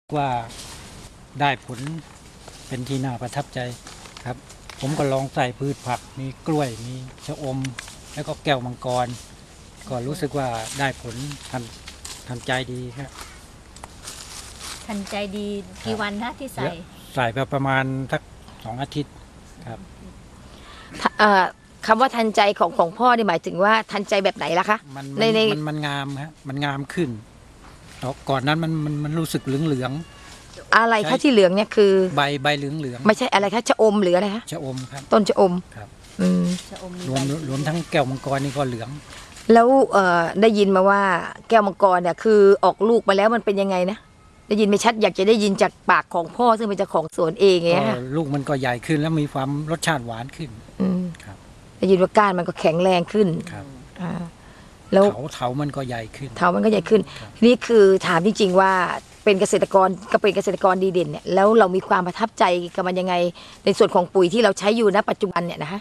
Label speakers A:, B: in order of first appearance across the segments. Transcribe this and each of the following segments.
A: ว่าได้ผลเป็นที่น่าประทับใจครับผมก็ลองใส่พืชผักมีกล้วยมีชะอมแล้วก็แก้วมังกรก็รู้สึกว่าได้ผลทันใจดีครับ
B: ทันใจดีกี่วันนะที่ใส่
A: ใส่ไปประมาณสัก2 อาทิตย์ครับ
C: คำว่าทันใจของพ่อนี่หมายถึงว่าทันใจแบบไหนล่ะคะ
A: มันงามครับมันงามขึ้นก่อนนั้นมันรู้สึกเหลือง
C: อะไรคะที่เหลืองเนี่ยคือ
A: ๆใบเหลือง
C: ไม่ใช่อะไรคะชะอมหรืออะไรคะ
A: ชะอมครับ
C: ต้นชะอม
A: ครับ
C: อืม
B: ชะอมมี
A: รวมทั้งแก้วมังกรนี่ก็เหลือง
C: แล้วได้ยินมาว่าแก้วมังกรเนี่ยคือออกลูกมาแล้วมันเป็นยังไงนะได้ยินไม่ชัดอยากจะได้ยินจากปากของพ่อซึ่งเป็นเจ้าของสวนเองไง
A: ก็
C: ค่ะ
A: ลูกมันก็ใหญ่ขึ้นแล้วมีความรสชาติหวานขึ้น
C: อืม
A: ครับ
C: ได้ยินว่าก้านมันก็แข็งแรงขึ้น
A: ครับ
C: อ่าแล้ว
A: เถามันก็ใหญ่ขึ้น
C: เถามันก็ใหญ่ขึ้น
A: ครับ
C: ทีนี้คือถามจริงๆว่าเป็นเกษตรกรก็เป็นเกษตรกรดีเด่นเนี่ยแล้วเรามีความประทับใจกับมันยังไงในส่วนของปุ๋ยที่เราใช้อยู่ณปัจจุบันเนี่ยนะคะ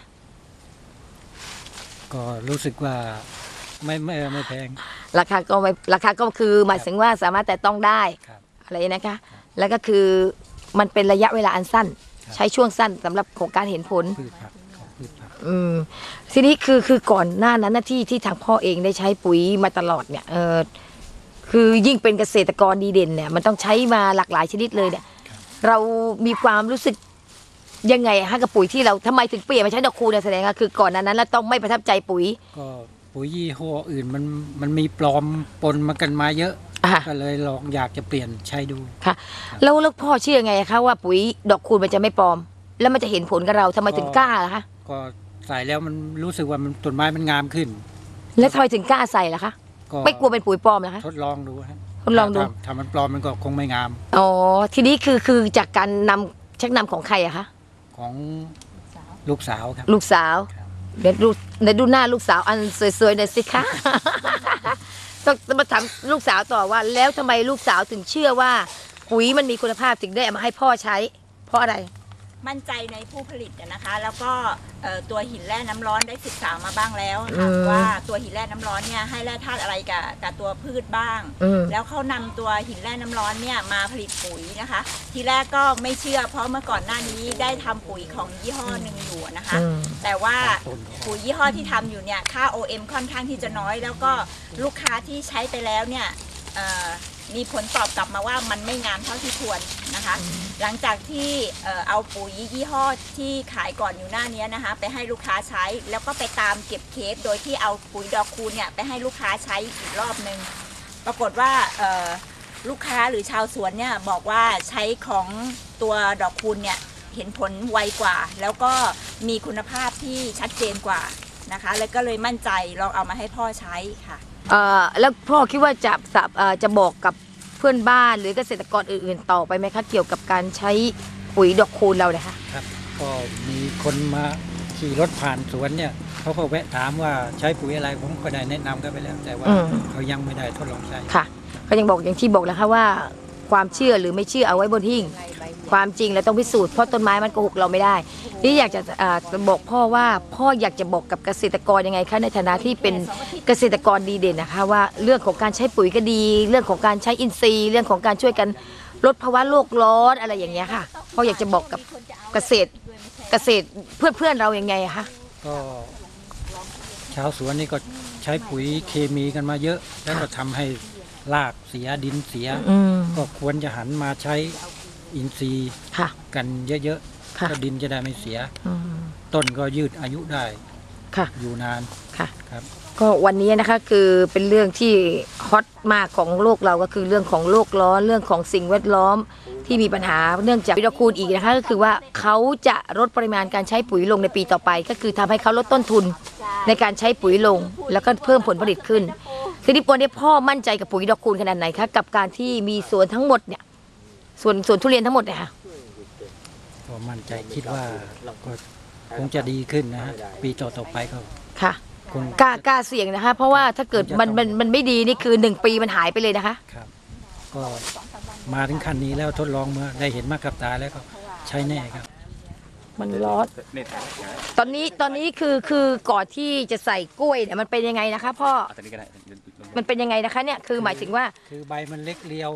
A: ก็รู้สึกว่าไม่แพง
C: ราคาก็คือหมายถึงว่าสามารถแต่ต้องได้
A: ครับ
C: อะไรนะคะ แล้วก็คือมันเป็นระยะเวลาอันสั้น
A: ครับ
C: ใช้ช่วงสั้นสำหรับของการเห็นผล
A: พืชผักของพืชผัก
C: ทีนี้คือก่อนหน้านั้นนะที่ทางพ่อเองได้ใช้ปุ๋ยมาตลอดเนี่ยคือยิ่งเป็นเกษตรกรดีเด่นเนี่ยมันต้องใช้มาหลากหลายชนิดเลยเนี่ยเรามีความรู้สึกยังไงฮะกับปุ๋ยที่เราทำไมถึงเปลี่ยนมาใช้ดอกคูณเนี่ยแสดงว่าคือก่อนหน้านั้นเราต้องไม่ประทับใจปุ๋ย
A: ก็ปุ๋ยยี่ห้ออื่นมันมีปลอมปนมากันมาเยอะ
C: อ่ะ
A: ก็เลยลองอยากจะเปลี่ยนใช้ดู
C: ค่ะแล้วพ่อเชื่อไงคะว่าปุ๋ยดอกคูณมันจะไม่ปลอม แล้วมันจะเห็นผลกับเราทำไมถึงกล้าล่ะคะ
A: ก็ใส่แล้วมันรู้สึกว่ามันต้นไม้มันงามขึ้น
C: แล้วทำไมถึงกล้าใส่ล่ะคะ
A: ก็
C: ไม่กลัวเป็นปุ๋ยปลอมเหรอคะ
A: ทดลองดูฮะ
C: ทดลองดู
A: ถ้ามันปลอมมันก็คงไม่งาม
C: อ๋อทีนี้คือจากการชักนำของใครอะคะ
A: ของลูกสาวครับ
C: ลูกสาว
A: ครับ
C: เดี๋ยวดูหน้าลูกสาวอันสวยๆหน่อยสิคะ ต้องมาถามลูกสาวต่อว่า แล้วทำไมลูกสาวถึงเชื่อว่า ปุ๋ยมันมีคุณภาพถึงได้เอามาให้พ่อใช้ เพราะอะไร
D: มั่นใจในผู้ผลิตนะคะ แล้วก็ตัวหินแร่น้ำร้อนได้ศึกษามาบ้างแล้วค่ะว่าตัวหินแร่น้ำร้อนเนี่ยให้แร่ธาตุอะไรกับตัวพืชบ้าง แล้วเขานำตัวหินแร่น้ำร้อนเนี่ยมาผลิตปุ๋ยนะคะ ทีแรกก็ไม่เชื่อเพราะเมื่อก่อนหน้านี้ได้ทำปุ๋ยของยี่ห้อหนึ่งอยู่นะคะ แต่ว่าปุ๋ยยี่ห้อที่ทำอยู่เนี่ยค่า OM ค่อนข้างที่จะน้อย แล้วก็ลูกค้าที่ใช้ไปแล้วเนี่ยมีผลตอบกลับมาว่ามันไม่งามเท่าที่ควรนะคะ หลังจากที่เอาปุ๋ยยี่ห้อที่ขายก่อนอยู่หน้านี้นะคะไปให้ลูกค้าใช้แล้วก็ไปตามเก็บเคสโดยที่เอาปุ๋ยดอกคูณเนี่ยไปให้ลูกค้าใช้อีกรอบนึงปรากฏว่าลูกค้าหรือชาวสวนเนี่ยบอกว่าใช้ของตัวดอกคูณเนี่ยเห็นผลไวกว่า แล้วก็มีคุณภาพที่ชัดเจนกว่านะคะแล้วก็เลยมั่นใจลองเอามาให้พ่อใช้ค่ะ
C: แล้วพ่อคิดว่าจะบอกกับเพื่อนบ้านหรือเกษตรกรอื่นๆต่อไปไหมคะเกี่ยวกับการใช้ปุ๋ยดอกคูณเราเนี่ยคะ
A: ครับก็มีคนมาขี่รถผ่านสวนเนี่ยเขาก็แวะถามว่าใช้ปุ๋ยอะไรผมก็ได้แนะนำกันไปแล้ว แต่ว่าเขายังไม่ได้ทดลองใช้
C: ค่ะก็ยังบอกอย่างที่บอกแล้วค่ะว่าความเชื่อหรือไม่เชื่อเอาไว้บนหิ้งความจริงเราต้องพิสูจน์เพราะต้นไม้มันโกหกเราไม่ได้นี่อยากจะบอกพ่อว่าพ่ออยากจะบอกกับเกษตรกรยังไงคะในฐานะที่เป็นเกษตรกรดีเด่นนะคะว่าเรื่องของการใช้ปุ๋ยก็ดี เรื่องของการใช้อินทรีย์ เรื่องของการช่วยกันลดภาวะโลกร้อนอะไรอย่างเงี้ยค่ะพ่ออยากจะบอกกับเกษตรเพื่อนเรายังไงอะคะ
A: ก็ชาวสวนนี่ก็ใช้ปุ๋ยเคมีกันมาเยอะ แล้วก็ทำให้รากเสียดินเสีย ก็ควรจะหันมาใช้อินทรีย์
C: ค่ะ
A: กันเยอะๆ
C: ค่ะ
A: ก็ดินจะได้ไม่เสีย ต้นก็ยืดอายุได้
C: ค่ะ
A: อยู่นาน
C: ค่ะ
A: ครับ
C: ก็วันนี้นะคะคือเป็นเรื่องที่ฮอตมากของโลกเราก็คือเรื่องของโลกร้อนเรื่องของสิ่งแวดล้อมที่มีปัญหาเนื่องจากปุ๋ยดอกคูณอีกนะคะก็คือว่าเขาจะลดปริมาณการใช้ปุ๋ยลงในปีต่อไป ก็คือทำให้เขาลดต้นทุนในการใช้ปุ๋ยลง แล้วก็เพิ่มผลผลิตขึ้นทีนี้วันนี้พ่อมั่นใจกับปุ๋ยดอกคูณขนาดไหนคะกับการที่มีสวนทั้งหมดเนี่ยสวนทุเรียนทั้งหมดเนี่ยค่ะ
A: ก็มั่นใจคิดว่าก็คงจะดีขึ้นนะฮะปีต่อๆไปก็
C: ค่ะ
A: คง
C: กล้าเสี่ยงนะคะ เพราะว่าถ้าเกิดมันไม่ดีนี่คือ1 ปีมันหายไปเลยนะคะ
A: ครับ ก็มาถึงขั้นนี้แล้วทดลองเมื่อได้เห็นมากับตาแล้วก็ใช้แน่ครับ
C: มันร้อนตอนนี้คือก่อนที่จะใส่กล้วยเนี่ยมันเป็นยังไงนะคะพ่อมันเป็นยังไงนะคะเนี่ยคือหมายถึงว่า
A: คือใบมันเล็กเรียว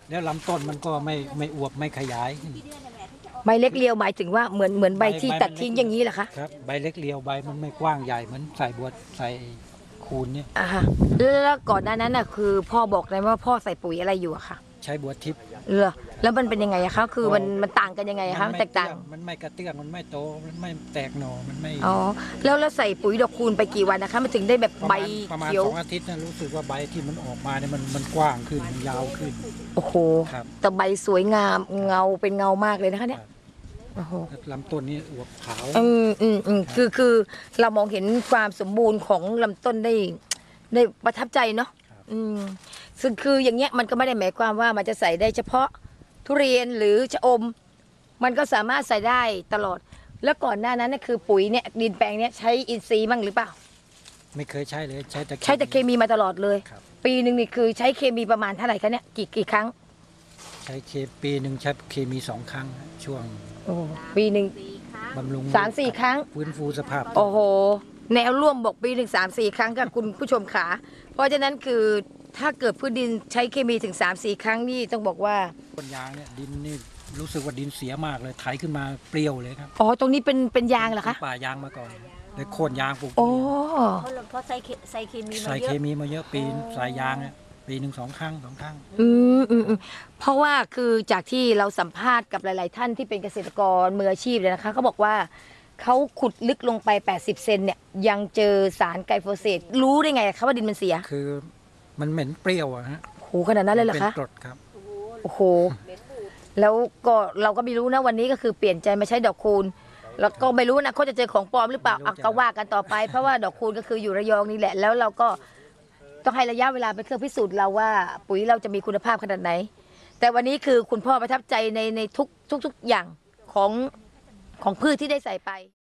A: แล้วลำต้นมันก็ไม่อวบไม่ขยายขึ้น
C: ใบเล็กเรียวหมายถึงว่าเหมือนใบที่ตัดทิ้งอย่างนี้เหรอคะ
A: ครับใบเล็กเรียวใบมันไม่กว้างใหญ่เหมือนใส่บัวใส่คูนเนี่ย
C: อ่าฮะแล้วก่อนหน้านั้นน่ะคือพ่อบอกเลยว่าพ่อใส่ปุ๋ยอะไรอยู่อะค่ะ
A: ใช้บัวทิพย์
C: แล้วมันเป็นยังไงอะคะคือมันต่างกันยังไงอะคะ
A: ไม่
C: แตกต่าง
A: มันไม่กระเตื้องมันไม่โตมันไม่แตกหน่อมันไม่
C: อ๋อแล้วใส่ปุ๋ยดอกคูณไปกี่วันนะคะมันถึงได้แบบ
A: ประ
C: ใบ
A: มาณ
C: เขียว
A: 2 อาทิตย์นะรู้สึกว่าใบที่มันออกมาเนี่ยมันกว้างขึ้นมันยาวขึ้น
C: โอ้โห
A: ครับ
C: แต่ใบสวยงามเงาเป็นเงามากเลยนะคะเนี่ยโอ้โห
A: ลำต้นนี้อวบขาว
C: คือเรามองเห็นความสมบูรณ์ของลำต้นได้ประทับใจเนาะซึ่งคืออย่างเงี้ยมันก็ไม่ได้หมายความว่ามันจะใส่ได้เฉพาะทุเรียนหรือชะอม มันก็สามารถใส่ได้ตลอด แล้วก่อนหน้านั้นเนี่ยคือปุ๋ยเนี่ยดินแปลงเนี่ยใช้อินทรีย์บ้างหรือเปล่า
A: ไม่เคยใช้เลยใช้แต่
C: ใช้แต่เคมีมาตลอดเลย
A: ครับ
C: ปีหนึ่งนี่คือใช้เคมีประมาณเท่าไหร่คะเนี่ยกี่ครั้ง
A: ใช้ปีหนึ่งใช้เคมี2 ครั้งช่วง
C: โอ้ปีหนึ่ง
A: บำรุง
C: 3-4 ครั้ง
A: ฟื้นฟูสภาพ
C: โอ้โห แนวร่วมบอกปี1-3-4 ครั้งกับคุณผู้ชมขาเพราะฉะนั้นคือถ้าเกิดพืชดินใช้เคมีถึง 3-4 ครั้งนี่ต้องบอกว่า
A: ต้นยางเนี่ยดินนี่รู้สึกว่าดินเสียมากเลยไถขึ้นมาเปรี้ยวเลยครับ
C: อ๋อตรงนี้เป็นยางเหรอคะ
A: ป่ายางมาก่อนเลยโค่นยางปลูก
C: โอ้
B: เพราะใส่เคมีมา
A: ใส่
B: เย
A: เค
B: อะ
A: มีมาเยอะปีใส่ยางเนี่ยปีหนึ่ง2 ครั้ง 2 ครั้ง
C: เพราะว่าคือจากที่เราสัมภาษณ์กับหลาย ๆ ท่านที่เป็นเกษตรกรมืออาชีพเลยนะคะเขาบอกว่าเขาขุดลึกลงไป80 เซนเนี่ยยังเจอสารไกลโฟเสตรู้ได้ไงคะว่าดินมันเสีย
A: คือมันเหม็นเปรี้ยวอะฮะ
C: โหขนาดนั้นเลยเหรอ
A: เป็น
C: คะ
A: กรดครับ
C: โอ้โหแล้วก็เราก็ไม่รู้นะวันนี้ก็คือเปลี่ยนใจมาใช้ดอกคูณแล้วก็ไม่รู้นะเขาจะเจอของปลอมหรือเปล่าอ่ะก็ว่ากันต่อไป เพราะว่าดอกคูณก็คืออยู่ระยองนี่แหละ แล้วเราก็ต้องให้ระยะเวลาเป็นเครื่องพิสูจน์เราว่า ปุ๋ยเราจะมีคุณภาพขนาดไหน แต่วันนี้คือคุณพ่อประทับใจในทุกอย่างของพืชที่ได้ใส่ไป